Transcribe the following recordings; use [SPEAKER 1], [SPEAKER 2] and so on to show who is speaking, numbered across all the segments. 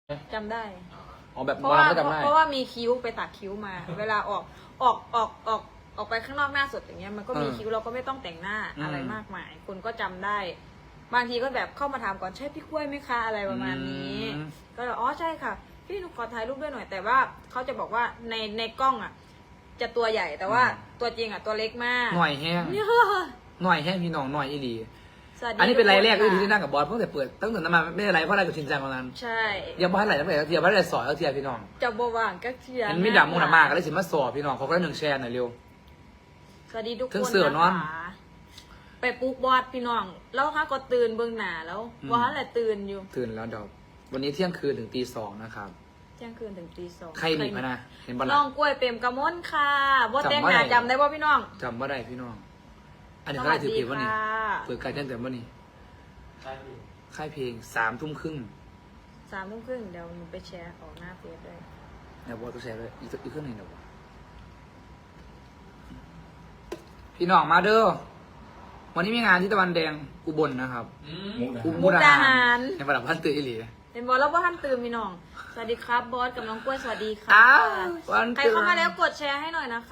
[SPEAKER 1] จำได้
[SPEAKER 2] อ๋อแบบ
[SPEAKER 1] เพ
[SPEAKER 2] หม
[SPEAKER 1] ราะ
[SPEAKER 2] อ
[SPEAKER 1] ว่า
[SPEAKER 2] ลำก็จำได้
[SPEAKER 1] เพราะว่ามีคิ้วไปตัดคิ้วมา เวลาออกไปข้างนอกหน้าสดอย่างเงี้ยมันก็มีคิ้วเราก็ไม่ต้องแต่งหน้าอะไรมากมายคนก็จำได้ บางทีก็แบบเข้ามาถามก่อนใช่พี่กล้วยไหมคะอะไรประมาณนี้ ก็อ๋อใช่ค่ะพี่หนูขอถ่ายรูปด้วยหน่อยแต่ว่าเขาจะบอกว่าในกล้องอ่ะ จะตัวใหญ่แต่ว่าตัวจริงอ่ะตัวเล็กมาก
[SPEAKER 2] หน่อยแห้ง
[SPEAKER 1] เนี่ย
[SPEAKER 2] หน่อยแห้งพี่น้องหน่อยอีหลี
[SPEAKER 1] สวัสดี
[SPEAKER 2] อันนี้เป็นไลน์แรก
[SPEAKER 1] ทุ
[SPEAKER 2] ที่
[SPEAKER 1] ค
[SPEAKER 2] ที่นั่งกับบอสเพิ่งแต่เปิดตั้งแต่นั้นมาไม่ได้ไลน์เพราะอะไรกับชินจังตอนนั้น
[SPEAKER 1] ใช่
[SPEAKER 2] ยังไม่ให้ไหลตั้งแต่เทียบไม่ได้สอยเทียพี่น้อง
[SPEAKER 1] จะบว่างก็เทีย
[SPEAKER 2] มันมีดำมูดมากก็เลยสิมาสอบพี่น้องเขาก็ได้หนึ่งแชร์หน่อยเร็ว
[SPEAKER 1] สวัสดีทุก
[SPEAKER 2] ถึ
[SPEAKER 1] ค
[SPEAKER 2] ง
[SPEAKER 1] น
[SPEAKER 2] เสือ
[SPEAKER 1] นะ
[SPEAKER 2] นอน
[SPEAKER 1] คะไปปลุกบอสพี่น้องแล้วค่ะก็ตื่นเบื้องหน้าแล้วว่าแหละตื่นอยู่
[SPEAKER 2] ตื่นแล้วเดี๋ยววันนี้เที่ยงคืนถึงตี 2นะครับ
[SPEAKER 1] เที่ยงคืนถึงตี 2
[SPEAKER 2] ใครหนีมานะเห็นปะ
[SPEAKER 1] น้
[SPEAKER 2] ล่ะ
[SPEAKER 1] องกล้วยเปรมกระมนค่ะบอส
[SPEAKER 2] จำ
[SPEAKER 1] แต่ง
[SPEAKER 2] ว่า
[SPEAKER 1] หน้า
[SPEAKER 2] ไหน
[SPEAKER 1] จำได้ป่ะพี่น้อง
[SPEAKER 2] จำว่าได้พี่น้อง อันนี้เขาได้ถือผิดวะนี่เปิดการแจ้งเตือนวะนี่ค่ายเพลง3 ทุ่มครึ่ง
[SPEAKER 1] 3 ทุ่มครึ่งเดี๋ยวหนูไปแชร์ออกหน้าเฟซด้วย
[SPEAKER 2] เดี๋ยวบอสต้องแชร์ด้วยอีกเครื่องหนึ่งเดี๋ยวพี่น้องมาเด้อวันนี้มีงานที่ตะวันแดงอุบลนะครับ
[SPEAKER 1] มุกดาหาร
[SPEAKER 2] ในประดับพันตื่นอีหลี
[SPEAKER 1] เห็นบอสแล้วว่าท่านตื่นพี่น้องสวัสดีครับบอสกับน้องกล้วยสวัสดีค่ะ
[SPEAKER 2] อ้าววัน
[SPEAKER 1] ใคร
[SPEAKER 2] ตื่น
[SPEAKER 1] เข้ามาแล้วกดแชร์ให้หน่อยนะคะ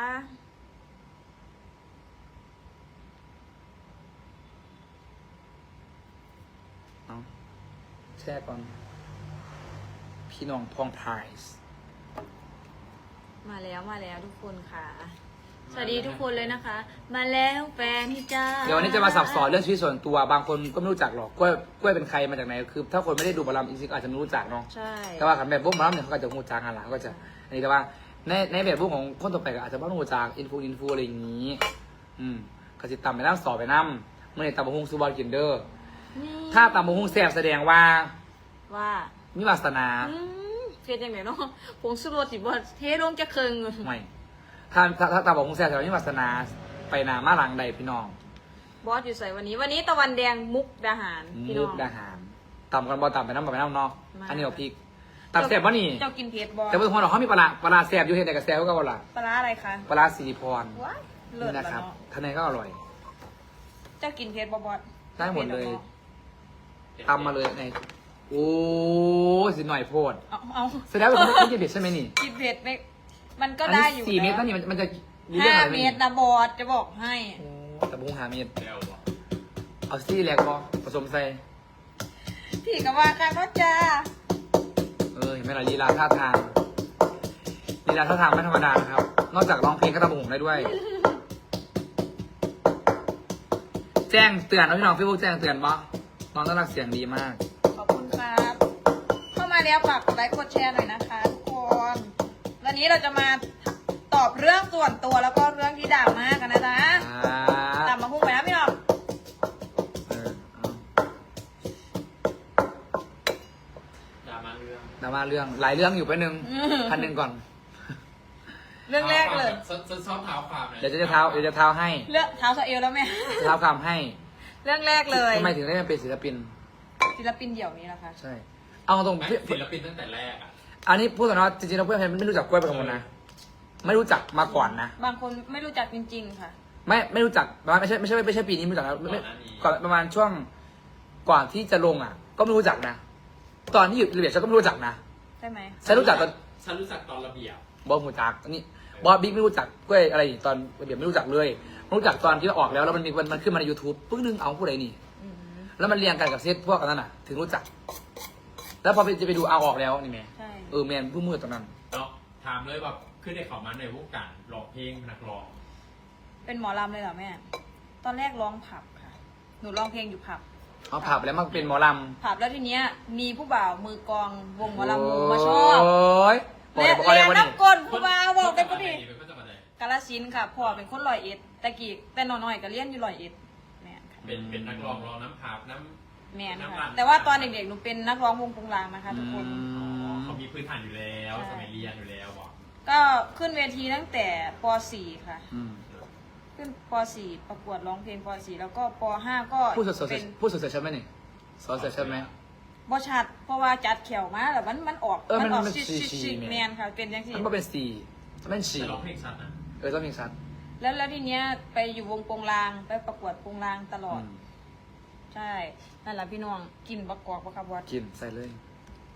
[SPEAKER 2] เอาแชร์ก่อน พี่น้องพองไพรส์
[SPEAKER 1] มาแล้วทุกคนค่ะ สวัสดีทุกคนเลยนะคะ มาแล้วแฟนจ้า
[SPEAKER 2] เดี๋ยววันนี้จะมาสับสอนเรื่องชีวิตส่วนตัว บางคนก็ไม่รู้จักหรอกกล้วยเป็นใครมาจากไหน คือ ถ้าคนไม่ได้ดูบอลลัมจริงๆก็อาจจะไม่รู้จักเนาะ
[SPEAKER 1] ใช่
[SPEAKER 2] แต่ว่าขันแบบพวกบอลลัมเนี่ยเขาก็จะรู้จักกันละก็จะ อันนี้แต่ว่าในแบบพวกของคนต่อไปก็อาจจะไม่รู้จักอินฟูอะไรอย่างนี้ ก็จะตำไปน้ำสอบไปน้ำเมื่อไหร่ตำบะฮุงซูบอลกินเดอร์
[SPEAKER 1] นี่
[SPEAKER 2] ถ้าตำบะฮุงแซ่บแสดงว่า
[SPEAKER 1] ว่า
[SPEAKER 2] มีวาสนา
[SPEAKER 1] เฟียจังไหนเนาะผงสุรสสิบอเทลงจะเคิง
[SPEAKER 2] ไม่ถ้าตำบะฮุงแซ่บแสดงว่ามีวาสนาไปนามาหลังใดพี่น้อง
[SPEAKER 1] บอสอยู่ใส่วันนี้ตะวันแดงมุกดาหารพี่น้
[SPEAKER 2] มุ
[SPEAKER 1] อง
[SPEAKER 2] กดาหารตำกันบอตำไปน้ำเนาะ
[SPEAKER 1] มา
[SPEAKER 2] อันนี้เอาพริกตำแซ่บวะนี่
[SPEAKER 1] เจ้ากินเผ็ดบอส
[SPEAKER 2] แต่เพื่อนเราเขามีปลาแซ่บอยู่เห็นแต่กับแซ่บก็ว่าล่ะ
[SPEAKER 1] ปลาร้าอะไรคะ
[SPEAKER 2] ปลาสิริพร
[SPEAKER 1] ว้ายเลิศ
[SPEAKER 2] นี่
[SPEAKER 1] แล้
[SPEAKER 2] นะ
[SPEAKER 1] ว
[SPEAKER 2] ครับ
[SPEAKER 1] เนาะ
[SPEAKER 2] ท่านในก็อร่อย
[SPEAKER 1] เจ้ากินเผ็ดบอส
[SPEAKER 2] ได้หมดเลย ตำมาเลยในโอ้สิหน่อยโพด
[SPEAKER 1] เอา
[SPEAKER 2] แสดงว่าคุณไม่กินเผ็ดใช่ไหมนี่
[SPEAKER 1] กินเผ็ดไม่มันก็ได้อยู่
[SPEAKER 2] 4 เม็ดนั่นนี่มันจะมีเรื่อง
[SPEAKER 1] ห้า
[SPEAKER 2] อะไรไหม
[SPEAKER 1] เม็ดนะบอสจะบอกให้
[SPEAKER 2] โอ้แต่บุ้ง5 เม็ดเอาซี่แหลกพอผสมใส่
[SPEAKER 1] พี่ก็ว่าค่ะก็จ้า
[SPEAKER 2] เห็นไหมล่ะลีลาท่าทางไม่ธรรมดานะครับ นอกจากร้องเพลงก็ทำบุ้งได้ด้วย แจ้งเตือนนะพี่น้องพี่บุ๊กแจ้งเตือนปะน้องต้อนรับเสียงดีมาก
[SPEAKER 1] ขอบคุณครับ เข้ามาแล้วฝากกดไลค์กดแชร์หน่อยนะคะทุกคนวันนี้เราจะมาตอบเรื่องส่วนตัวแล้วก็เรื่องที่ด่ามากกันนะจ๊ะตามมาพุ่งไปนะพี่น้อง
[SPEAKER 2] ดราม่าเรื่องหลายเรื่องอยู่ไปหนึ่งพันหนึ่งก่อน
[SPEAKER 1] เรื่องแรกเลย
[SPEAKER 3] ซ้อมเท้าความเลย
[SPEAKER 2] เดี๋ยวจะเท้าให้
[SPEAKER 1] เรื่องเท้าสะเอลแล้วแม่
[SPEAKER 2] เท้าความให้
[SPEAKER 1] เรื่องแรกเลย
[SPEAKER 2] ทำไมถึงได้มาเป็นศิลปิน
[SPEAKER 1] ศิลปินเดี่ยวนี้นะคะ
[SPEAKER 2] ใช่ เอาตรง
[SPEAKER 3] ไม่ศิลปินตั้งแต่แรกอ่ะ
[SPEAKER 2] อันนี้พูดถึงว่าจริงๆแล้วเพื่อนไม่รู้จักกล้วยเป็นคนนะ ไม่รู้จักมาก่อนนะ
[SPEAKER 1] บางคนไม่รู้จักจริงๆค่ะ
[SPEAKER 2] ไม่รู้จักประมาณไม่ใช่ปีนี้ไม่รู้จักนะไม่ก่อนประมาณช่วงก่อนที่จะลงอ่ะ ก็ไม่รู้จักนะ ตอนที่อยู่ระเบียบฉันก็ไม่รู้จักนะ
[SPEAKER 1] ใช่ไหม
[SPEAKER 2] ฉันรู้จักตอน
[SPEAKER 3] ฉันรู้จักตอนระเบียบบ
[SPEAKER 2] อสหูจักนี่บอสบิ๊กไม่รู้จักกล้วยอะไรตอนระเบียบไม่รู้จักเลยรู้จักตอนที่ออกแล้วแล้วมันขึ้นมาใน YouTube ปึ้งนึงเอาผู้ใดนี่
[SPEAKER 1] อืม
[SPEAKER 2] แล้วมันเรียงกันกับเซตพวกนั้นน่ะ ถึงรู้จัก แล้วพอจะไปดูเอาออกแล้วนี่แม่
[SPEAKER 1] ใช่
[SPEAKER 2] แมนผู้มือตรงนั้น
[SPEAKER 3] เนาะถามเลยแบบขึ้นได้เขามาในวงการร้องเพลงเป็นนักร้อง
[SPEAKER 1] เป็นหมอลำเลยเหรอแม่ ตอนแรกร้องผับค่ะ หนูร้องเพลงอยู่ผับ
[SPEAKER 2] เอาผับแล้วมันเป็นหมอล
[SPEAKER 1] ผับแล้วทีเนี้ยมีผู้บ่าวมือกลองวงหมอ
[SPEAKER 2] ำ
[SPEAKER 1] ลำหมูมาชอบ
[SPEAKER 2] โอ้ยบอก
[SPEAKER 1] และ
[SPEAKER 2] เลยบอกเลยว่านี่
[SPEAKER 1] น้ำกลผู้บ่าวบอกเป็นคนดี
[SPEAKER 3] เป็นคนจังหวัดไหน
[SPEAKER 1] กาลสินธุ์ค่ะพ่อเป็นคนร้อยเอ็ดแต่กี้แต่น้อยๆก็เรียนอยู่ร้อยเอ็ดแม่นค่ะ
[SPEAKER 3] เป็นนักร้องร้องน้ำพาบน้
[SPEAKER 1] แม่น
[SPEAKER 3] น้ำ
[SPEAKER 1] ค่ะ
[SPEAKER 3] ลั่น
[SPEAKER 1] แต่ว่าตอนเด็กๆหนูเป็นนักร้องวงปงลางนะคะทุกคน
[SPEAKER 3] ำเขามีพื้นฐานอยู่แล้ว
[SPEAKER 1] ใช่
[SPEAKER 3] สมัยเรียนอยู่แล้วบอก
[SPEAKER 1] ก็ขึ้นเวทีตั้งแต่ป .4 ค่ะ
[SPEAKER 2] อืม
[SPEAKER 1] ขึ้นป .4 ประกวดร้องเพลงป .4 แล้วก็ป .5 ก็
[SPEAKER 2] พูดสด
[SPEAKER 1] เป็น
[SPEAKER 2] ๆพูดสดๆใช่ไหมนี่สดๆใช่ไหม
[SPEAKER 1] บ่ชัดเพราะว่าจัดแขวมาแล้วมันออก
[SPEAKER 2] มัน
[SPEAKER 1] ออก
[SPEAKER 2] มัน
[SPEAKER 1] ชิ
[SPEAKER 2] สี
[SPEAKER 1] แมนค่ะเป็นยังสิ
[SPEAKER 2] มันเป็นสี่มันเป็นสี่
[SPEAKER 3] แต่ร้องเพลงชัดนะ
[SPEAKER 2] ต้องมีชัด
[SPEAKER 1] แล้วทีเนี้ยไปอยู่วงโปงลางไปประกวดโปงลางตลอด
[SPEAKER 2] อืม
[SPEAKER 1] ใช่นั่นแหละพี่น้องกินบักกอกบักคาบวัด
[SPEAKER 2] กินใส่เลย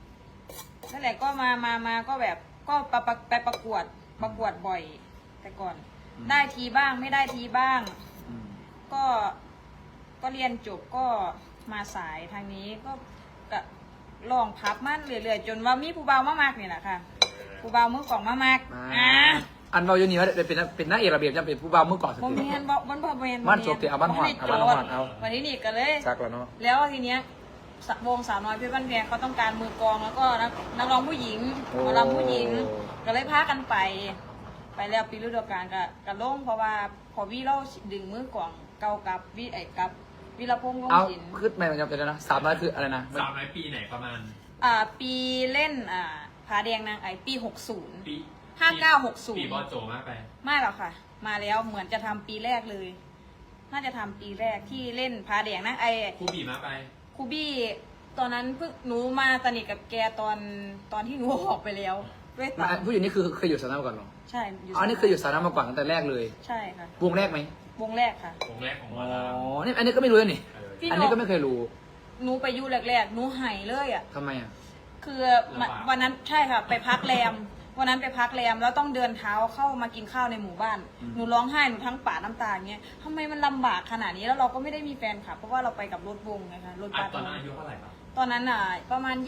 [SPEAKER 1] นั่นแหละก็มาก็แบบก็ไปประกวดบ่อย แต่ก่อน ได้ทีบ้างไม่ได้ทีบ้าง
[SPEAKER 2] อืม
[SPEAKER 1] ก็เรียนจบก็มาสายทางนี้ก็ลองพับมันเรื่อยๆจนว่ามีผู้เบามากๆนี่แหละค่ะผู้เบามือกล่องมากๆ
[SPEAKER 2] อันเราอยู่นี่ว่าเป็นนักเอกระเบียบจะเป็นผู้บ่าวมือก่อนสุด
[SPEAKER 1] บ่
[SPEAKER 2] ที่
[SPEAKER 1] แม่นบ่บ่บ่แม่น
[SPEAKER 2] บ้านจบเดี๋ยวเอาบ้านหอดเอาบ้านหอดเอา
[SPEAKER 1] วันนี้นี่ก็เลย
[SPEAKER 2] ซักแล้วเนาะ
[SPEAKER 1] แล้วทีเนี้ย วงสาวน้อยเพชรบ้านแพงเขาต้องการมือกลองแล้วก็นักร้องผู้หญิงหมอลำผู้หญิงก็เลยพากันไปแล้วปีฤดูกาลกับลงเพราะว่าพอวิเราดึงมือกลองเก่ากับวิรพงษ์วง
[SPEAKER 2] เอา
[SPEAKER 1] ศิลป์
[SPEAKER 2] คือไม่มันจะเป็นนะ300คืออะไรนะ
[SPEAKER 3] 300 ปีไหนประมาณ
[SPEAKER 1] ปีเล่นผาแดงนางไอปี
[SPEAKER 3] ปี
[SPEAKER 1] 60 5960
[SPEAKER 3] ปีบอสโจมากไป
[SPEAKER 1] ไม่หรอกค่ะ มาแล้วเหมือนจะทำปีแรกเลย น่าจะทำปีแรกที่เล่นผาแดงนางไอ
[SPEAKER 3] ครูบีมากไป
[SPEAKER 1] ครูบี้ตอนนั้นเพิ่งหนูมาสนิทกับแกตอนที่หนูออกไปแล้วด้วยตา
[SPEAKER 2] ผู้หญิงนี่คือเคยอยู่สาวน้ำมาก่อนเหรอ
[SPEAKER 1] ใช่อยู่
[SPEAKER 2] อ๋อนี่เคยอยู่สาวน้ำมาก่อนตั้งแต่แรกเลย
[SPEAKER 1] ใช่ค่ะ
[SPEAKER 2] วงแรกไหม
[SPEAKER 1] วงแรกค่ะ
[SPEAKER 3] วงแรกของหม
[SPEAKER 2] อ๋
[SPEAKER 3] อ
[SPEAKER 2] อ
[SPEAKER 3] ลำ
[SPEAKER 2] นี่อันนี้ก็ไม่รู้นี่
[SPEAKER 1] พี่
[SPEAKER 2] อันนี้ก็ไม่เคยรู้
[SPEAKER 1] หนูไปอยู่แรกๆหนูหายเลยอ่ะ
[SPEAKER 2] ทำไมอ่ะ
[SPEAKER 1] คือวันนั้นใช่ค่ะ ไปพักแรมวันนั้นไปพักแรมแล้วต้องเดินเท้าเข้ามากินข้าวในหมู่บ้าน หนูร้องไห้หนูทั้งปาดน้ำตาอย่างเงี้ยทำไมมันลำบากขนาดนี้แล้วเราก็ไม่ได้มีแฟนคลับเพราะว่าเราไปกับรถวงไงคะรถบัส
[SPEAKER 3] ตอนนั้นอายุเท่าไหร่ครับ
[SPEAKER 1] ตอนนั้นประมาณ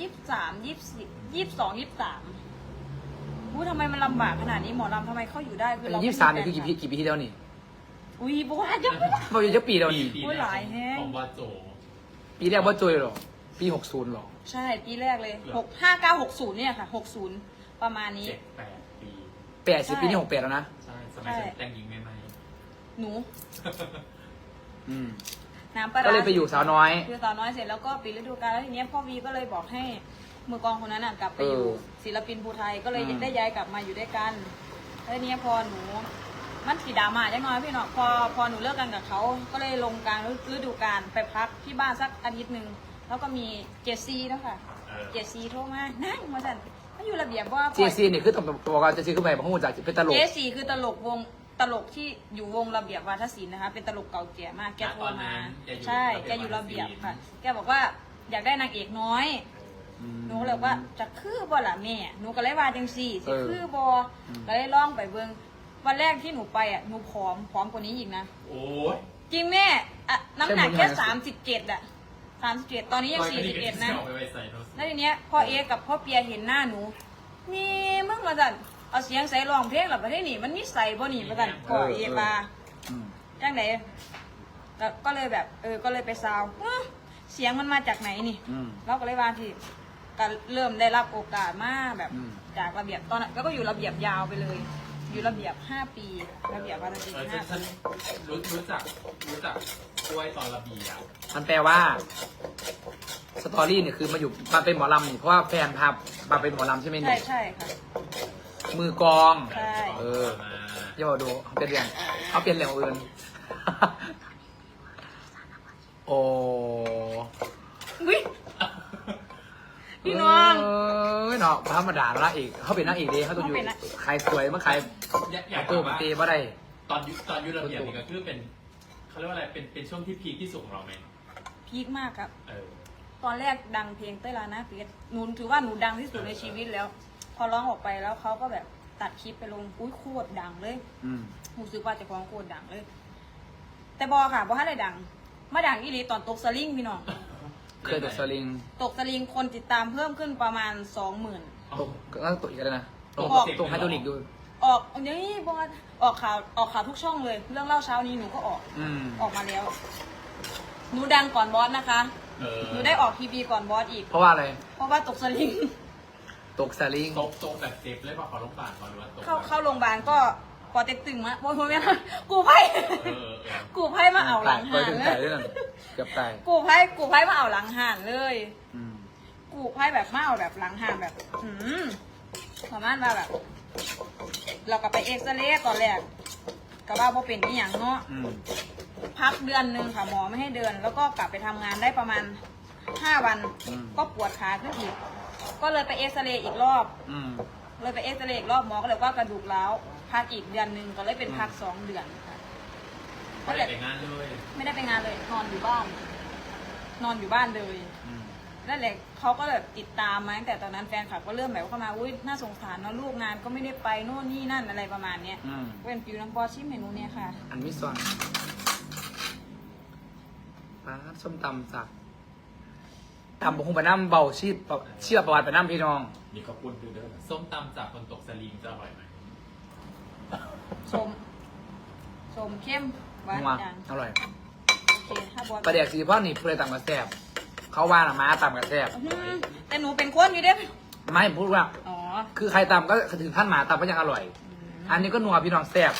[SPEAKER 1] 22 23อู้ทำไมมันลำบากขนาดนี้หมอลำทำไมเข้าอยู่ได้คือเรา
[SPEAKER 2] 23นี่คือกี่ปีที่แล้วนี่
[SPEAKER 1] อุ้ยบัวจะ
[SPEAKER 2] บอกอยู่จะปีแล้วนี่
[SPEAKER 3] ปี
[SPEAKER 1] โอ้ยหลายแฮะ
[SPEAKER 3] ของบอสโจ
[SPEAKER 2] ปีแรกว่าโจยเหรอ ปี60เหรอ
[SPEAKER 1] ใช่ปีแรกเลย5960เนี่ยค่ะ60ประมาณนี้
[SPEAKER 3] 7-8 ปี
[SPEAKER 2] 80ปีนี่68แล้วนะ
[SPEAKER 3] ใช่สมัยฉันแต่งหญิงใหม่
[SPEAKER 1] หนู
[SPEAKER 2] อืม
[SPEAKER 1] น้ำปลาร้า
[SPEAKER 2] ก็เลยไปอยู่สาวน้อย
[SPEAKER 1] คือสาวน้อยเสร็จแล้วก็ปิดฤดูกาลแล้วทีเนี้ยพ่อวีก็เลยบอกให้มือกลองคนนั้นกลับไปอยู่ศิลปินภูไทยก็เลยได้ย้ายกลับมาอยู่ด้วยกันแล้วทีเนี้ยพอหนูมันสีดราม่าจังน้อยพี่เนาะพอหนูเลิกกันกับเขาก็เลยลงกลางฤดูกาลไปพักที่บ้านสักอาทิตย์หนึ่งแล้วก็มีเจสซี่แล้วค่ะเจสซี่โทรมานั่งมาสั่นมันอยู่ระเบียบว่า
[SPEAKER 2] เจซีนี่คือต้องบอกว่าเจซีคือไปบางคนจากเป็นตลก
[SPEAKER 1] เจสซี่คือตลกที่อยู่วงระเบียบวาทศิลป์นะคะเป็นตลกเก่าแก่มากแกโทรมาใช่แกอยู่ระเบียบค่ะแกบอกว่าอยากได้นางเอกน้อยหนูก็เลยว่าจะคือบ่ล่ะแม่หนูก็เลยว่าจังสี่สิคือบ่ก็เลยล่องไปเบิ่งวันแรกที่หนูไปหนูผอมกว่านี้อีกนะ
[SPEAKER 3] โอ้ย
[SPEAKER 1] จริงแม่น้ำหนักแค่37 37ตอนนี้ยัง41นะ
[SPEAKER 3] ไปใส่โน้ต
[SPEAKER 1] แล้วทีเนี้ยพ่อเอกับพ่อเปียเห็นหน้าหนูนี่มึงมาสั่นเอาเสียงใส่ร้องเพลงหรอประเทศนี้มันมีใส่บ่หนีมาสั่นพ่อเอมา
[SPEAKER 2] อืม
[SPEAKER 1] จังไหนแล้วก็เลยแบบก็เลยไปซาวเสียงมันมาจากไหนนี่
[SPEAKER 2] อืม
[SPEAKER 1] เราก็เลยว่าที่ก็เริ่มได้รับโอกาสมาแบบ
[SPEAKER 2] อืม
[SPEAKER 1] จากระเบียบตอนนั้นก็อยู่ระเบียบยาวไปเลย อยู่ระเบียบ5 ปีระเบียบวาทศิลป์5
[SPEAKER 3] ฉั
[SPEAKER 1] ปี
[SPEAKER 3] นรู้จักกล้วยตอนระเบียบ
[SPEAKER 2] มันแปลว่าสตอรี่เนี่ยคือมาเป็นหมอลำนี่เพราะว่าแฟนพามาเป็นหมอลำใช่ไหม
[SPEAKER 1] ใช่
[SPEAKER 2] เนี่ย
[SPEAKER 1] ใช่ค่ะ
[SPEAKER 2] มือกลอง
[SPEAKER 1] ใช่
[SPEAKER 2] เอออย่าบอกดูเอาเป็นเรื่องเอาเปลี่ยนเรื่องอื่น โอ้
[SPEAKER 1] วิพี่น้อง
[SPEAKER 2] เอ้ยเนาะธรรมดาละอีกเขาเป็นนางเอกดีเขาต้องอยู่
[SPEAKER 1] เขาเป็นนาง
[SPEAKER 2] ใครสวยเมื่อใคร
[SPEAKER 3] อยาก
[SPEAKER 2] ตู้
[SPEAKER 3] ถาม
[SPEAKER 2] มัน
[SPEAKER 3] ว่า
[SPEAKER 2] ตีบ่ได้
[SPEAKER 3] ตอนยุระเบียบนี่ก็คือเป็นเขาเรียกว่าอะไรเป็นช่วงที่พีคที่สุดของเราไหม
[SPEAKER 1] พีคมากครับ
[SPEAKER 3] เออ
[SPEAKER 1] ตอนแรกดังเพลงเต้ยลานะเพชรหนูถือว่าหนูดังที่สุดในชีวิตแล้ว พอร้องออกไปแล้วเขาก็แบบตัดคลิปไปลงอุ้ยโคตรดังเลย
[SPEAKER 2] อืม
[SPEAKER 1] หนูซื้อว่าจะฟ้องโคตรดังเลย แต่บอค่ะบอให้อะไรดังมาดังอีหลีตอนตกสลิงพี่น้อง
[SPEAKER 2] เคยตกสลิง
[SPEAKER 1] ตกสลิงคนติดตามเพิ่มขึ้นประมาณ 20,000
[SPEAKER 2] ตกนั่งตกอีกแล้วนะตก
[SPEAKER 1] ออก
[SPEAKER 2] ตกไฮโดรลิกดู
[SPEAKER 1] ออกนี่บอสออกข่าวทุกช่องเลย เรื่องเล่าเช้านี้หนูก็ออก
[SPEAKER 2] อืม
[SPEAKER 1] ออกมาแล้ว หนูดังก่อนบอสนะคะ
[SPEAKER 3] เออ
[SPEAKER 1] หนูได้ออกทีวีก่อนบอสอีก
[SPEAKER 2] เพราะว่าอะไร
[SPEAKER 1] เพราะว่าตกสลิง
[SPEAKER 2] ตกสลิง
[SPEAKER 3] ตกแบบเจ็บเลยป่ะขอลงปากก่อนหรือว่าตก
[SPEAKER 1] เข้าโรงพยาบาลก็ปอเต็กตึงมาโอ้ยไม่นะกูไพ่
[SPEAKER 3] เออ
[SPEAKER 1] กูไพ่มาเอาหลัง
[SPEAKER 2] ไป
[SPEAKER 1] ห่าน
[SPEAKER 2] ถึง
[SPEAKER 1] เล
[SPEAKER 2] ตาย
[SPEAKER 1] ย
[SPEAKER 2] ด้วยนั่นเกือบตาย
[SPEAKER 1] กูไพ่มาเอาหลังห่านเลย
[SPEAKER 2] อืม
[SPEAKER 1] กูไพ่แบบมาเอาแบบหลังห่านแบบประมาณว่าแบบ เราก็ไปเอ็กซเรย์ตอนแรกก็ว่าพอเป็นอีหยังเนาะ
[SPEAKER 2] อืม
[SPEAKER 1] พักเดือนหนึ่งค่ะหมอไม่ให้เดิน แล้วก็กลับไปทำงานได้ประมาณ5 วัน ก็ปวดขาขึ้นอีก ก็เลยไปเอ็กซเรย์อีกรอบ
[SPEAKER 2] อืม
[SPEAKER 1] เลยไปเอ็กซเรย์อีกรอบหมอก็เลยว่ากระดูกร้าวพักอีกเดือนหนึ่งก็เลยเป็นพัก2 เดือนค่ะ
[SPEAKER 3] ไม่ได้ไปงานเลย
[SPEAKER 1] ไม่ได้ไปงานเลยนอนอยู่บ้าน นอนอยู่บ้านเลย
[SPEAKER 2] อืม
[SPEAKER 1] นั่นแหละเขาก็แบบติดตามมาตั้งแต่ตอนนั้นแฟนคลับก็เริ่มแบบเข้ามาอุ้ยน่าสงสารเนาะลูกงานก็ไม่ได้ไปโน่นนี่นั่นอะไรประมาณเนี้ย
[SPEAKER 2] อืม
[SPEAKER 1] เป็นฟิวน้ำปอชิมเมนูเนี้ยค่ะ
[SPEAKER 2] อันมิส่วนปลาส้มตำจากตำบกคงไปน้ำเบาชีพประวัติไปน้ำพี่น้อง
[SPEAKER 4] มีข้าวปุ้นด้วยเด้อ
[SPEAKER 3] ส้มตำจากคนตกสลิงจะอร่อยไหม
[SPEAKER 1] สมเข้มหวาน
[SPEAKER 2] นัว
[SPEAKER 1] จัง
[SPEAKER 2] อร่อย
[SPEAKER 1] โอเคถ้าบอส
[SPEAKER 2] ปลาแดกสีพ่อนี่เพื่อตำกระแซบเขาว่าน่ะม้าตำกระแซบ
[SPEAKER 1] แต่หนูเป็นคนอยู่เด้
[SPEAKER 2] ไม่พูดว่า
[SPEAKER 1] อ๋อ
[SPEAKER 2] คือใครตำก็ถึงท่านหมาตำก็ยังอร่อย อันนี้ก็นัวพี่น้องแซบ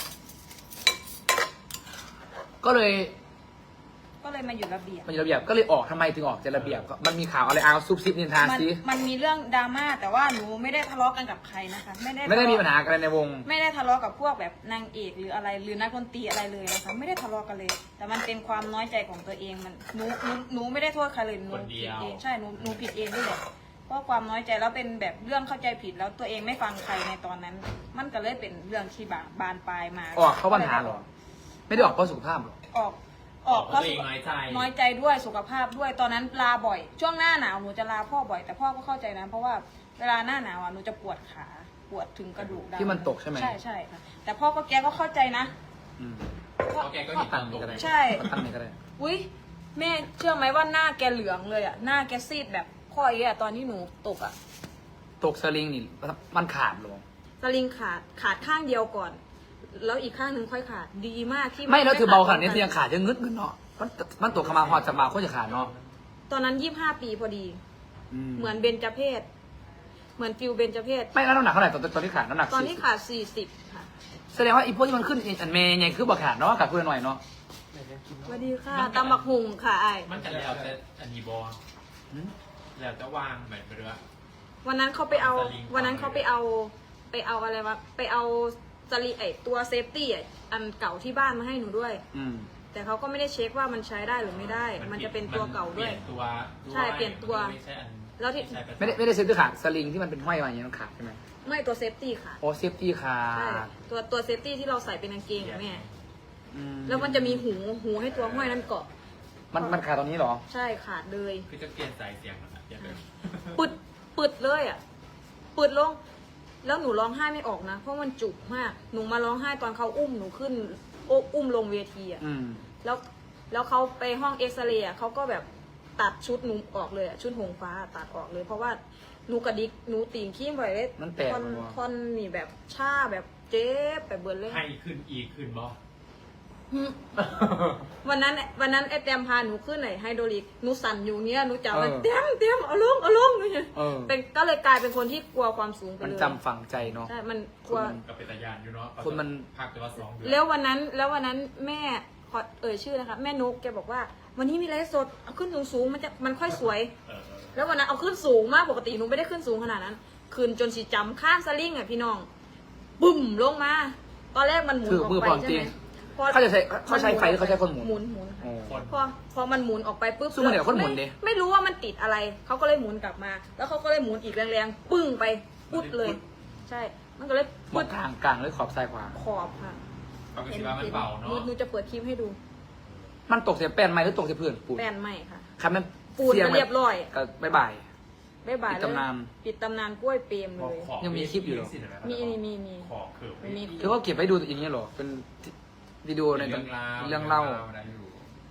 [SPEAKER 2] ก็เลย
[SPEAKER 1] ก็เลยมาอยู่ระเบียบ
[SPEAKER 2] มันอยู่ระเบียบก็เลยออกทำไมถึงออกจากระเบียบก็มันมีข่าวอะไรเอาซุบซิบนินทา
[SPEAKER 1] มัน
[SPEAKER 2] ซิ
[SPEAKER 1] มันมีเรื่องดราม่าแต่ว่าหนูไม่ได้ทะเลาะกันกับใครนะคะ
[SPEAKER 2] ไม่ได้มีปัญหากันในวง
[SPEAKER 1] ไม่ได้ทะเลาะกับพวกแบบนางเอกหรืออะไรหรือนักดนตรีอะไรเลยนะคะไม่ได้ทะเลาะกันเลย แต่มันเป็นความน้อยใจของตัวเองมันหนูไม่ได้โทษใครเลยหนูผิดเองใช่หนูผิดเองด้วยแหละเพราะความน้อยใจแล้วเป็นแบบเรื่องเข้าใจผิดแล้วตัวเองไม่ฟังใครในตอนนั้น มันก็เลยเป็นเรื่องที่บานปลายมา
[SPEAKER 2] ออกเพราะปัญหาเหรอ ไม่ได้ออกเพราะสุขภาพหรอ
[SPEAKER 1] ออก
[SPEAKER 3] เพราะตัวเองน้อยใจ
[SPEAKER 1] น้อยใจด้วยสุขภาพด้วยตอนนั้นลาบ่อย ช่วงหน้าหนาวหนูจะลาพ่อบ่อย แต่พ่อก็เข้าใจนะเพราะว่าเวลาหน้าหนาวอ่ะหนูจะปวดขาปวดถึงกระดูกดำ
[SPEAKER 2] ที่มันตกใช่ไหม
[SPEAKER 1] ใช่ใช่ค่ะแต่พ่อก็แกก็เข้าใจนะ
[SPEAKER 2] อืม
[SPEAKER 3] เพราะแกก็เห็นตามตก
[SPEAKER 1] ใช่
[SPEAKER 2] ตั้งนี่ก็ได้
[SPEAKER 1] อุ้ยแม่เชื่อไหมว่าหน้าแกเหลืองเลยอ่ะหน้าแกซีดแบบข้อเอี้ยตอนที่หนูตกอ่ะ
[SPEAKER 2] ตกสลิงนี่มันขาดเหรอ
[SPEAKER 1] สลิงขาดข้างเดียวก่อน แล้วอีกข้างหนึ่งค่อยขาดดีมากที่
[SPEAKER 2] ไม่แล้วถือเบาขนาดนี้เสียงขาดยังงึดเนาะมันตกขมาหอดจะมาโคตรจะขาดเนาะ
[SPEAKER 1] ตอนนั้น25 ปีพอดี เหมือนเบญจเพศเหมือนฟิวเบญจเพศ
[SPEAKER 2] ไม่แล้วน้ำหนักเท่าไหร่ตอนที่ขาดน้ำหนัก
[SPEAKER 1] ตอนที่
[SPEAKER 2] 40
[SPEAKER 1] ขาด40ค่ะ
[SPEAKER 2] แสดงว่าอีพวกที่มันขึ้นอันเมย์ไงคือบอกขาดเนาะขาดเพื่อนหน่อยเนาะ
[SPEAKER 1] สวัสดีค่ะตำบักหุงค่ะไอ้
[SPEAKER 3] มันจะแล้วแต่อันนี้บอลแล้วจะวางแบบไปด้วย
[SPEAKER 1] วันนั้นเขาไปเอา
[SPEAKER 3] สลิง
[SPEAKER 1] วันนั้นเขาไปเอาอะไรวะไปเอาสลีไอตัวเซฟตี้อันเก่าที่บ้านมาให้หนูด้วย
[SPEAKER 2] อืม
[SPEAKER 1] แต่เขาก็ไม่ได้เช็คว่ามันใช้ได้หรือไม่ได้ มันจะเป็นตัวเก่าด้วย
[SPEAKER 3] เปลี่ยนตัว
[SPEAKER 1] ใช่เปลี่ยนตัว
[SPEAKER 3] ไม่ใช่อัน
[SPEAKER 1] แล้วที่
[SPEAKER 3] ใช่ประจำ
[SPEAKER 2] ไม่ได้เซฟตี้ขาดสลิงที่มันเป็นห้อยมาอย่างนี้มันขาดใช่ไหม
[SPEAKER 1] ไม่ตัวเซฟตี้ค่ะ
[SPEAKER 2] โอ้เซฟตี้ขา
[SPEAKER 1] ใช่
[SPEAKER 2] ด
[SPEAKER 1] ตัวเซฟตี้ที่เราใส่เป็นกางเกงอะแม่
[SPEAKER 2] อื
[SPEAKER 1] แล้วมันจะมีหูให้ตัวห้อยนั้นเกาะ
[SPEAKER 2] มันขาดตรงนี้เหรอ
[SPEAKER 1] ใช่ขาดเลย
[SPEAKER 3] คือจะเปลี่ยนสายเสียงแล้วนะเปลี่ยนเลย
[SPEAKER 1] ปึดเลยอ่ะปึดลง แล้วหนูร้องไห้ไม่ออกนะ เพราะมันจุกมาก หนูมาร้องไห้ตอนเขาอุ้มหนูขึ้นอุ้มลงเวทีอ่ะ
[SPEAKER 2] อืม
[SPEAKER 1] แล้วเขาไปห้องเอ็กซเรย์อะเขาก็แบบตัดชุดหนูออกเลยอะชุดหงฟ้าตัดออกเลย เพราะว่าหนูกระดิกหนูตีนขี้ไปเลย
[SPEAKER 2] มันแตก
[SPEAKER 1] ท่อน
[SPEAKER 2] มันวะ
[SPEAKER 1] ท่อนนี่แบบชาแบบเจ็บแบบเบิร์นเลย
[SPEAKER 3] ให้ขึ้นอีกขึ้นบอ
[SPEAKER 1] วันนั้นไอ้แตมพาหนูขึ้นไหนไฮโดรลิกหนูสั่นอยู่เงี้ยหนูจับมัน
[SPEAKER 2] เออ
[SPEAKER 1] เต็มเอาลงเนี่ย
[SPEAKER 2] เออ
[SPEAKER 1] เป็นก็เลยกลายเป็นคนที่กลัวความสูงไป
[SPEAKER 2] มัน
[SPEAKER 1] เลย
[SPEAKER 2] จำฝังใจเนาะ
[SPEAKER 1] ใช่มันกลัว
[SPEAKER 2] คนมัน
[SPEAKER 3] กับเป็นตายานอยู่เนาะ
[SPEAKER 2] คนมัน
[SPEAKER 3] พักแต่ว่า2 เดือน
[SPEAKER 1] แล้ววันนั้นแม่ขอเอ่ยชื่อนะคะแม่นุกแกบอกว่า วันนี้มีไลฟ์สดเอาขึ้นสูงๆมันค่อยสวย
[SPEAKER 3] เออ
[SPEAKER 1] แล้ววันนั้นเอาขึ้นสูงมากปกติหนูไม่ได้ขึ้นสูงขนาดนั้นขึ้นจนสีจำข้ามสลิงอ่ะพี่น้องบุ่มลงมา ตอนแรกมันหมุน
[SPEAKER 2] ถือ
[SPEAKER 1] ออก
[SPEAKER 2] มือ
[SPEAKER 1] ไป
[SPEAKER 2] ความ
[SPEAKER 1] ใช่
[SPEAKER 2] จริ
[SPEAKER 1] ไห
[SPEAKER 2] ง
[SPEAKER 1] ม
[SPEAKER 2] เขาจะใช้เขาใช้ไฟหรือเขาใช้คนหมุน
[SPEAKER 1] หมุน
[SPEAKER 3] โอ้
[SPEAKER 1] ค่ะพอมันหมุนออกไปปุ๊บ
[SPEAKER 2] สู้มันเดี๋ยวคนหมุนดิ
[SPEAKER 1] ไม่รู้ว่ามันติดอะไรเขาก็เลยหมุนกลับมา แล้วเขาก็เลยหมุนอีกแรงๆปึ้งไปปุ๊ดเลย ใช่ มันก็เลย
[SPEAKER 2] หม
[SPEAKER 1] ปุ๊
[SPEAKER 2] ด
[SPEAKER 1] ด
[SPEAKER 2] ทางกลางหรือขอบซ้ายขวา
[SPEAKER 1] ขอบค่ะ
[SPEAKER 3] เขาก็คิดว่ามันเบาเนาะ
[SPEAKER 1] หนูจะเปิดคลิปให้ดู
[SPEAKER 2] มันตกเสียแป้นไหมหรือตกเสียพื้นปูน
[SPEAKER 1] แป้นไหมค่ะ
[SPEAKER 2] ครับมัน
[SPEAKER 1] ปูนก็เรียบร้อย
[SPEAKER 2] ก็บ๊ายบาย
[SPEAKER 1] บ๊ายบาย
[SPEAKER 2] ปิด
[SPEAKER 1] เลย
[SPEAKER 2] ตำนาน
[SPEAKER 1] ปิดตำนานกล้วยเปรมเลย
[SPEAKER 3] ขอบ
[SPEAKER 2] ยังมีคลิปอยู่เหรอ
[SPEAKER 1] มี
[SPEAKER 3] ขอบเขือบ
[SPEAKER 1] มี
[SPEAKER 2] คือว่าเก็บไว้ดูอย่างนี้เหรอ เป็นวิดีโอใน
[SPEAKER 3] เรื่องราว
[SPEAKER 2] เรื่องเล่า
[SPEAKER 3] ได้อยู่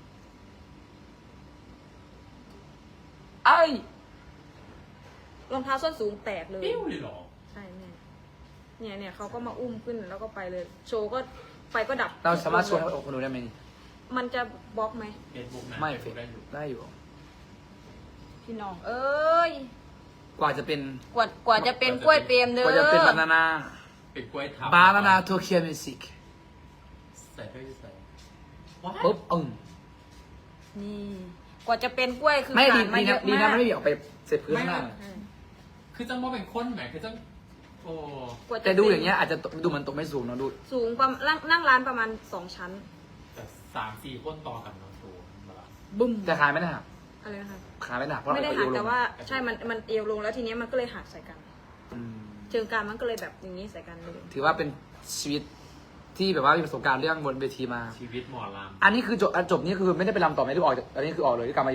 [SPEAKER 2] ไอ้
[SPEAKER 1] รองเท้าส้นสูงแตกเลย
[SPEAKER 3] ปิ้วเลยเหรอ
[SPEAKER 1] ใช่แม่เนี่ยเขาก็มาอุ้มขึ้นแล้วก็ไปเลย โชว์ก็ไฟก็ดับ
[SPEAKER 2] เราสามารถชวนให้คนดูได้ไหมนี่
[SPEAKER 1] มันจะบล็อกไหม
[SPEAKER 3] เฟซบุ๊กนะ
[SPEAKER 2] ไม่
[SPEAKER 3] เฟซบุ๊กได้อยู่
[SPEAKER 2] ได้อยู่
[SPEAKER 1] พี่น้อง เอ้ย
[SPEAKER 2] กว่าจะเป็น
[SPEAKER 1] กว่าจะเป็นกล้วยเปรมเด้อก
[SPEAKER 2] ว่าจะเป็นบานานา
[SPEAKER 3] เป็นกล้วยทั
[SPEAKER 2] บานานาโตเกียวมิวสิก
[SPEAKER 3] ใส่ด้วยใส่
[SPEAKER 2] ปุ๊บ
[SPEAKER 1] นี่ กว่าจะเป็นกล้วยคือ
[SPEAKER 2] ไม่ดี
[SPEAKER 1] ผ่านมา
[SPEAKER 2] ดี
[SPEAKER 1] เย
[SPEAKER 2] นะ
[SPEAKER 1] อะ
[SPEAKER 2] ดี
[SPEAKER 1] มา
[SPEAKER 2] นะ
[SPEAKER 1] ก
[SPEAKER 2] ไม่ได้ออกไปเสร็จพื้นข้างหน้า
[SPEAKER 1] อืม
[SPEAKER 3] คือจังว่าเป็นคนไหมคือจังโอ้
[SPEAKER 1] กว่าจะ
[SPEAKER 2] แต่ดูอย่างเงี้ยอาจจะดูเหมันตกไม่สูงเนอะดู
[SPEAKER 1] สูงประมาณนั่งร้านประมาณ2 ชั้น
[SPEAKER 3] แต่3-4 คนต่อกันเนาะตัวแบบ
[SPEAKER 1] บึ้ม
[SPEAKER 2] แต่ขาไม่ได้หัก
[SPEAKER 1] อะไรนะคะ
[SPEAKER 2] ขาไม่ได้หักเพราะ
[SPEAKER 1] ไม่ได้
[SPEAKER 2] เอ
[SPEAKER 1] หัก
[SPEAKER 2] วลง
[SPEAKER 1] แต่ว่าใช่มันเอวลงแล้วทีเนี้ยมันก็เลยหักใส่กัน
[SPEAKER 2] อืม
[SPEAKER 1] เชิงกรานมันก็เลยแบบอย่างนี้ใส่กันเลย
[SPEAKER 2] ถือว่าเป็นชีวิตที่แบบว่ามีประสบการณ์เรื่องบนเวทีมา
[SPEAKER 3] ชีวิตหมอล
[SPEAKER 2] อันนี้คือจบนี่คือไม่ได้ไปรำต่อไหมหรือออกจากอันนี้คือออกเลยที่กลับมาอยู่
[SPEAKER 3] ำ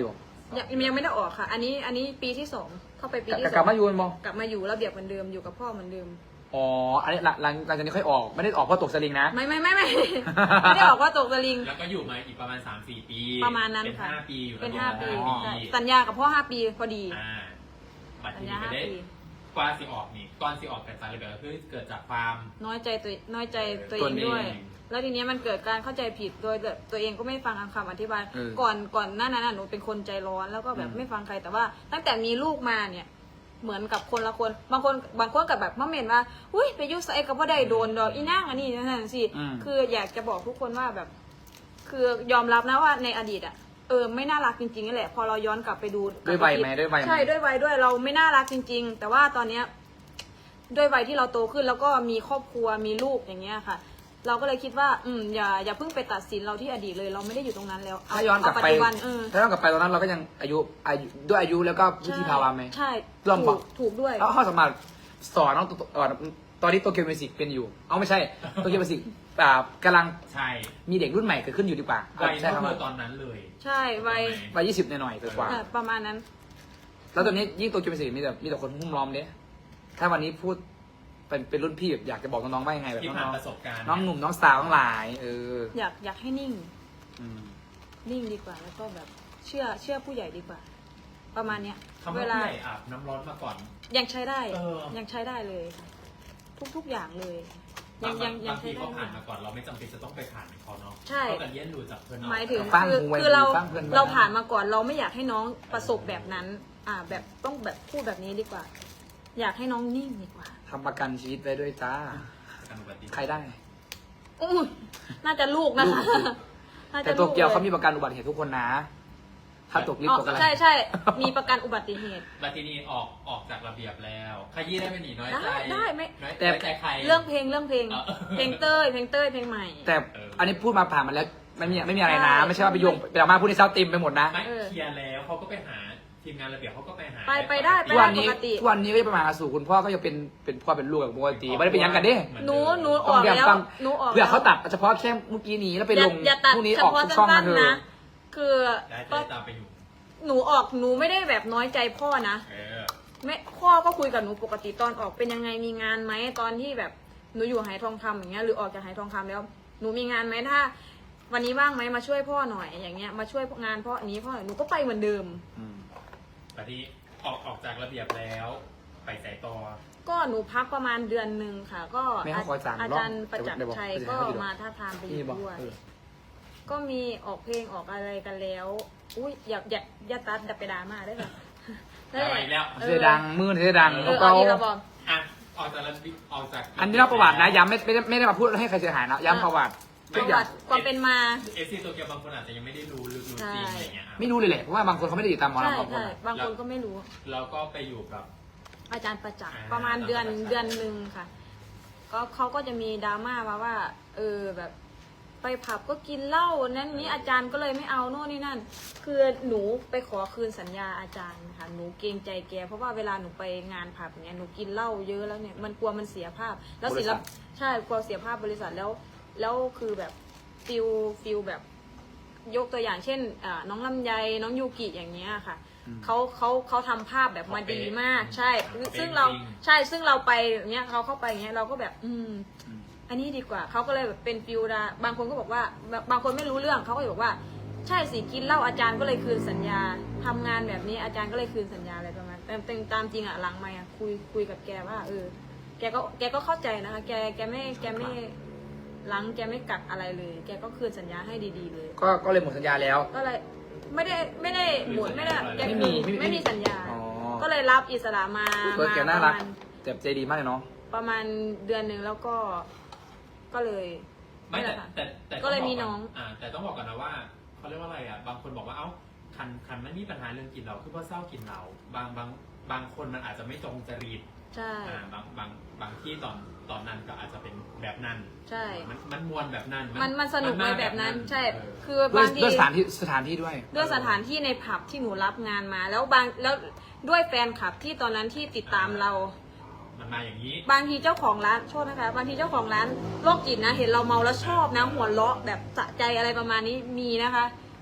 [SPEAKER 1] ยังไม่ได้ออกค่ะ อันนี้ปีที่สองเข้าไปปีที่สอง
[SPEAKER 2] กลับมาอยู่มั้ง
[SPEAKER 1] กลับมาอยู่ระเบียบเหมือนเดิมอยู่กับพ่อเหมือนเดิม
[SPEAKER 2] อ๋ออันนี้หลังจากนี้ค่อยออกไม่ได้ออกเพราะตกสลิงนะ
[SPEAKER 1] ไม่ ไม่ได้ออกว่าตกสลิง
[SPEAKER 3] แล้วก็อยู่มาอีกประมาณ 3-4 ปี
[SPEAKER 1] ประมาณนั้น
[SPEAKER 3] เป็น
[SPEAKER 1] ค่ะ
[SPEAKER 3] 5 ปีอยู่
[SPEAKER 1] เป็น
[SPEAKER 3] แล้ว
[SPEAKER 1] 5 ปี
[SPEAKER 3] ประมาณ
[SPEAKER 1] ใช่
[SPEAKER 3] 5 ปี
[SPEAKER 1] สัญญากับพ่อ5 ปีพอดี
[SPEAKER 3] บัตร
[SPEAKER 1] สัญ
[SPEAKER 3] ที่
[SPEAKER 1] ญา
[SPEAKER 3] ไปได้
[SPEAKER 1] 5 ปี
[SPEAKER 3] กว่าสิออกนี่ก่อนสิออกแต่สารเลยแบบคือเกิดจากความ
[SPEAKER 1] น้อยใจตัวเองด้วย แล้วทีนี้มันเกิดการเข้าใจผิดโดยตัวเองก็ไม่ฟังคำอธิบาย ก่อนหน้านั้นน่ะหนูเป็นคนใจร้อนแล้วก็แบบไม่ฟังใครแต่ว่า ตั้งแต่มีลูกมาเนี่ยเหมือนกับคนละคนบางคนกับแบบมาเมนว่าอุ้ยไปยุ่งใส่กับว่าได้โดนดอกอีนั่งอันนี้นั่นสิคืออยากจะบอกทุกคนว่าแบบ คือยอมรับนะว่าในอดีตอ่ะไม่น่ารักจริงๆนั่นแหละพอเราย้อนกลับไปดู
[SPEAKER 2] ด้วยวัยไหมด้วยวัยไหม
[SPEAKER 1] ใช่ด้วยวัยด้วยเราไม่น่ารักจริง ๆ แต่ว่าตอนเนี้ยด้วยวัยที่เราโตขึ้นแล้วก็มีครอบครัวมีลูกอย่างเงี้ยค่ะ เราก็เลยคิดว่าอย่าเพิ่งไปตัดสินเราที่อดีตเลยเราไม่ได้อยู่ตรงนั้นแล้ว
[SPEAKER 2] ถ้าย้อนกลับ
[SPEAKER 1] เาปัจ
[SPEAKER 2] ไป
[SPEAKER 1] จุบัน
[SPEAKER 2] ถ้าย้อนกลับไปตอนนั้นเราก็ยังอายุด้วยอายุแล้วก็วิธีภาวะไหม
[SPEAKER 1] ใช่
[SPEAKER 2] ร่วมบอก
[SPEAKER 1] ถูกด้วย
[SPEAKER 2] เขาสามารถสอนน้องตอนนี้โตเกียวมิวสิกเป็นอยู่ไม่ใช่โตเกียวมิวสิกกำลัง
[SPEAKER 3] ใช่
[SPEAKER 2] มีเด็กรุ่นใหม่เกิดขึ้นอยู่ดีกว่า
[SPEAKER 3] วัย
[SPEAKER 2] ใช่
[SPEAKER 3] ก็
[SPEAKER 2] ครับ
[SPEAKER 3] คือตอนนั้นเลย
[SPEAKER 1] ใช่วัย
[SPEAKER 2] วัย20หน่อยๆกว่า
[SPEAKER 1] ประมาณนั้น
[SPEAKER 2] แล้วตอนนี้ยิ่งโตเกียวมิวสิกมีแต่คนหุ้มล้อมเนี่ยถ้าวันนี้พูดเป็นรุ่นพี่แบบอยากจะบอกน้องๆว่ายังไงแบบ
[SPEAKER 3] ที่
[SPEAKER 2] น้
[SPEAKER 3] ผ่าน
[SPEAKER 2] อง
[SPEAKER 3] ประสบการณ์
[SPEAKER 2] ๆน้องหนุ่มน้องสาวทั้งหลาย
[SPEAKER 1] อยากให้นิ่ง
[SPEAKER 2] อืม
[SPEAKER 1] นิ่งดีกว่า แล้วก็แบบเชื่อผู้ใหญ่ดีกว่า ประมาณเนี้ย
[SPEAKER 3] คำว่าผู้ใหญ่อาบน้ำร้อนมาก่อน
[SPEAKER 1] ยังใช้ได้
[SPEAKER 3] เออ
[SPEAKER 1] ยังใช้ได้เลยค่ะทุกอย่างเลย
[SPEAKER 3] บาง
[SPEAKER 1] ยัง
[SPEAKER 3] ที
[SPEAKER 1] ใช้ได้
[SPEAKER 3] เขาผ่านมาก่อนเราไม่จำเป็นจะต้องไปผ่านเขาเนาะ
[SPEAKER 1] ใช่
[SPEAKER 3] เขากันเรียนรู้จากเพื่อนน้อง
[SPEAKER 1] หมายถึง
[SPEAKER 2] ฟัง
[SPEAKER 1] คือ
[SPEAKER 2] หูไว้
[SPEAKER 1] คือเรา
[SPEAKER 2] ฟังเพื่อนไว้
[SPEAKER 1] เราผ่านมาก่อนเราไม่อยากให้น้องประสบแบบนั้น แบบต้องแบบพูดแบบนี้ดีกว่า อยากให้น้องนิ่งดีกว่า
[SPEAKER 2] ทำประกันชีวิตไว้ด้วยจ้า
[SPEAKER 3] การอุบัติเหตุ
[SPEAKER 2] ใครได้
[SPEAKER 1] อุ้ยน่าจะลูกนะคะ
[SPEAKER 2] ลูก
[SPEAKER 1] น่า
[SPEAKER 2] แต่
[SPEAKER 1] จะ
[SPEAKER 2] โต
[SPEAKER 1] ลูก
[SPEAKER 2] เกียวเขา
[SPEAKER 1] ล
[SPEAKER 2] มีประกันอุบัติเหตุทุกคนนะ ถ้าตกลิฟ
[SPEAKER 1] อ๋
[SPEAKER 2] ต์ตกอะไร
[SPEAKER 1] อใช่มีประกันอุบัติเหตุ
[SPEAKER 3] บัตรที่นี่ออกจากระเบียบแล้วขยี้ได้ไหมหนีน้อยใจ
[SPEAKER 1] ได้ไม่
[SPEAKER 3] น้อย
[SPEAKER 2] แต่
[SPEAKER 3] ใจใคร
[SPEAKER 1] เรื่องเพลงเพลงเต้ยเพลงใหม่
[SPEAKER 2] แต่
[SPEAKER 3] เอออั
[SPEAKER 2] อันนี้พูดมาผ่านมาแล้วไม่มีอะไรนะ
[SPEAKER 1] ใช่
[SPEAKER 2] ไม่ใช่ว่าไปโยงไปเอามาพูดในเช้าติมไปหมดนะ
[SPEAKER 3] ไม่เคลียร์แล้วเขาก็ไปหาทีมงานระเบียบเขาก็ไปหา
[SPEAKER 1] ไปได้
[SPEAKER 2] ทุกวันนี้ทุกวันนี้ก็จะไปมาหาสู่คุณพ่อก็ยังเป็นพ่อเป็นลูกกับปกติไม่ได้เป็นยังกันเด้
[SPEAKER 1] หนูออกแล้วหนูออก
[SPEAKER 2] เพื่อเขาตัดเฉพาะแค่เมื่อกี้นี้แล้วไปลง
[SPEAKER 1] อย่าตัด
[SPEAKER 2] พรุ่งนี้
[SPEAKER 1] เฉ
[SPEAKER 2] ออก
[SPEAKER 1] พาะ
[SPEAKER 2] ทุกช่อง
[SPEAKER 1] สั้
[SPEAKER 2] มาน เถ
[SPEAKER 1] ๆนะ
[SPEAKER 2] อะ
[SPEAKER 1] คือ
[SPEAKER 3] ได้
[SPEAKER 1] ก็
[SPEAKER 3] ตามไปอยู่
[SPEAKER 1] หนูไม่ได้แบบน้อยใจพ่อนะ
[SPEAKER 3] เออ
[SPEAKER 1] ไม่พ่อก็คุยกับหนูปกติตอนออกเป็นยังไงมีงานไหมตอนที่แบบหนูอยู่หายทองคำอย่างเงี้ยหรือออกจากหายทองคำแล้วหนูมีงานไหมถ้า วันนี้ว่างไหมมาช่วยพ่อหน่อยอย่างเงี้ยมาช่วยงานพ่ออันนี้พ่อหน่อยหนูก็ไปเหมือนเดิม
[SPEAKER 3] บัตรที่ออกจากระเบียบแล้วไปสายต่อ
[SPEAKER 1] ก็หนูพักประมาณเดือนหนึ่งค่ะ ก็
[SPEAKER 2] ไม่ให้ขอสั่ง
[SPEAKER 1] อาจารย์ประจักษ์ชัย
[SPEAKER 2] เดี๋ยว
[SPEAKER 1] ก็
[SPEAKER 2] เดี๋ยว
[SPEAKER 1] มาท้าทามไปอยู่
[SPEAKER 2] นี่บอก
[SPEAKER 1] ด้วย
[SPEAKER 2] เออ
[SPEAKER 1] ก็มีออกเพลงออกอะไรกันแล้ว อุ้ยอย่าตัดดับไปดราม่าได้ไหม
[SPEAKER 3] เอาอีกแล้ว
[SPEAKER 2] เสียดังมือเสียดัง
[SPEAKER 1] เออ
[SPEAKER 2] เขา
[SPEAKER 1] เอาอีกแล้วบอก
[SPEAKER 3] อ่ะออกจากระเบียบออกจาก
[SPEAKER 2] อันนี้เล่าประวัตินะย้ำไม่ได้มาพูดให้ใครเสียหายนะย้ำประวัติ
[SPEAKER 1] ป
[SPEAKER 2] ทุก
[SPEAKER 1] ระ
[SPEAKER 2] อย่า
[SPEAKER 1] วั
[SPEAKER 2] ง
[SPEAKER 1] ติความเป็นมา
[SPEAKER 3] เอซีโตเกียวบางคนอาจจะยังไม่ได้รู้ลึกรู้จริงอะไรเงี้ย
[SPEAKER 2] ไม่รู้เลยแหละเพราะว่าบางคนเขาไม่ได้ติดตามหมอ
[SPEAKER 1] ใช่
[SPEAKER 2] ลำบางคน
[SPEAKER 1] ใช่
[SPEAKER 2] อะ
[SPEAKER 1] บางคนก็ไม่รู้
[SPEAKER 3] แล้วก็ไปอยู่กับ
[SPEAKER 1] อาจารย์ประจักษ์
[SPEAKER 3] อ่า
[SPEAKER 1] ประมาณเดือน
[SPEAKER 3] อาจารย์ประจักษ์
[SPEAKER 1] เดือนหนึ่งค่ะ ก็เขาก็จะมีดราม่ามาว่า แบบไปผับก็กินเหล้านั้นนี้อาจารย์ก็เลยไม่เอาโน่นนี่นั่น คือหนูไปขอคืนสัญญาอาจารย์ค่ะหนูเกรงใจแกเพราะว่าเวลาหนูไปงานผับเนี่ยหนูกินเหล้าเยอะแล้วเนี่ยมันกลัวมันเสียภาพ แล้วศิลปใช่กลัวเสียภาพบริษัทแล้วคือแบบฟิลแบบยกตัวอย่างเช่นน้องลำไยน้องยูกิอย่างเงี้ยค่ะเขาทำภาพแบบมาดีมาก ใช่ ซึ่งเราไปอย่างเงี้ยเขาเข้าไปอย่างเงี้ยเราก็แบบอันนี้ดีกว่าเขาก็เลยแบบเป็นฟิลดาบางคนก็บอกว่าบางคนไม่รู้เรื่องเขาก็บอกว่าใช่สิกินเหล้าอาจารย์ก็เลยคืนสัญญาทำงานแบบนี้อาจารย์ก็เลยคืนสัญญาอะไรประมาณแต่ตามจริงอะหลังไม่อะคุยกับแกว่าแกก็เข้าใจนะคะแกไม่หลังแกไม่กักอะไรเลย แกก็คืนสัญญาให้ดีๆเลย
[SPEAKER 2] ก็เลยหมดสัญญาแล้ว
[SPEAKER 1] ก็เลยไม่ได้หมุนไม่ได้แก
[SPEAKER 2] ไม่มี
[SPEAKER 1] สัญญา
[SPEAKER 2] อ๋อ
[SPEAKER 1] ก็เลยรับอิสระมา
[SPEAKER 2] เพื่อนแกน่ารักแต่ใจดีมากเลยเนาะ
[SPEAKER 1] ประมาณเดือนหนึ่งแล้วก็เลย
[SPEAKER 3] ไม่
[SPEAKER 1] นั่นแหละค่ะ
[SPEAKER 3] แต่
[SPEAKER 1] ก็เลยมีน้อง
[SPEAKER 3] แต่ต้องบอกก่อนนะว่าเขาเรียกว่าอะไรอ่ะบางคนบอกว่าเอ้าคันไม่มีปัญหาเรื่องกินเหล้าคือเพราะเศร้ากินเหล้าบางคนมันอาจจะไม่ตรงจริต
[SPEAKER 1] ใช่
[SPEAKER 3] บางที่ตอนนั้นก็อาจจะเป็นแบบนั้น
[SPEAKER 1] ใช่
[SPEAKER 3] มันมวนแบบนั้น
[SPEAKER 1] มันสนุกในแบบนั้น ใช่
[SPEAKER 3] เออ
[SPEAKER 1] คือบางที
[SPEAKER 2] ด้วยสถานที่ด้วย
[SPEAKER 1] ด้วยสถานที่ในผับที่หนูรับงานมา แล้วด้วยแฟนคลับที่ตอนนั้นที่ติดตามเรา
[SPEAKER 3] มันมาอย่างนี้
[SPEAKER 1] บางทีเจ้าของร้านโทษนะคะบางทีเจ้าของร้านโรคจิตนะเห็นเราเมาแล้วชอบนะหัวเราะแบบสะใจอะไรประมาณนี้มีนะคะ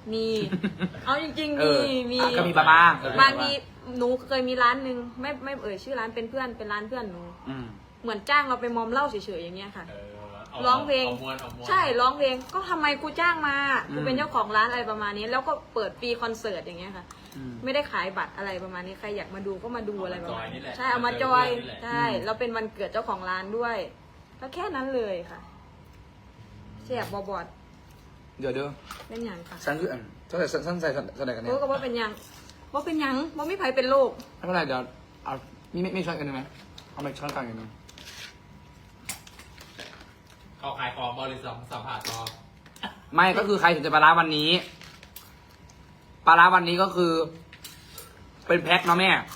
[SPEAKER 1] มี เอาจริงๆ
[SPEAKER 2] เอ
[SPEAKER 1] มี
[SPEAKER 2] อก็มีบ้าง
[SPEAKER 1] บางทีหนูเคยมีร้านหนึ่งไม่เอ่ยชื่อร้านเป็นเพื่อนเป็นร้านเพื่อนหนู
[SPEAKER 2] อืม
[SPEAKER 1] เหมือนจ้างเราไปมอมเหล้าเฉยๆอย่างเงี้ยค่ะ
[SPEAKER 3] เอา
[SPEAKER 1] ร้องเพลง
[SPEAKER 3] เอาม้วนเอาม้วน
[SPEAKER 1] ใช่ร้องเพลงก็ทำไมกูจ้างมากู
[SPEAKER 2] อืม
[SPEAKER 1] เป็นเจ้าของร้านอะไรประมาณนี้ แล้วก็เปิดฟรีคอนเสิร์ตอย่างเงี้ยค่ะ
[SPEAKER 2] อืม
[SPEAKER 1] ไม่ได้ขายบัตรอะไรประมาณนี้ใครอยากมาดูก็มาดูอะไรประมาณ
[SPEAKER 3] นี่
[SPEAKER 1] นี้
[SPEAKER 3] แหละ
[SPEAKER 1] ใช่เอามาจอย
[SPEAKER 3] นี่แหละ
[SPEAKER 1] ใช่เราเป็นวันเกิดเจ้าของร้านด้วยก็แค่นั้นเลยค่ะเสียบบอบอด
[SPEAKER 2] เดี๋ยว
[SPEAKER 1] เป็นอย่างค่ะ
[SPEAKER 2] ฉันคือฉันใส่แสดงกันเนี่
[SPEAKER 1] รู้
[SPEAKER 2] ย
[SPEAKER 1] ก็ว่าเป็นอย่างว่าเป็นอย่างว่าไม่ไผเป็นโรค
[SPEAKER 2] ไม่เป็นไรเดี๋ยวเอามีช้อนกันได้ไหมเอาไปช้อนกลางกันหนึง
[SPEAKER 3] เขาขายของบริษัทสัมผัสต่อ
[SPEAKER 2] ไม่ก็คือใครถึงจะปลาร้าวันนี้ปลาร้าวันนี้ก็คือ เป็นแพ็คเนาะแม่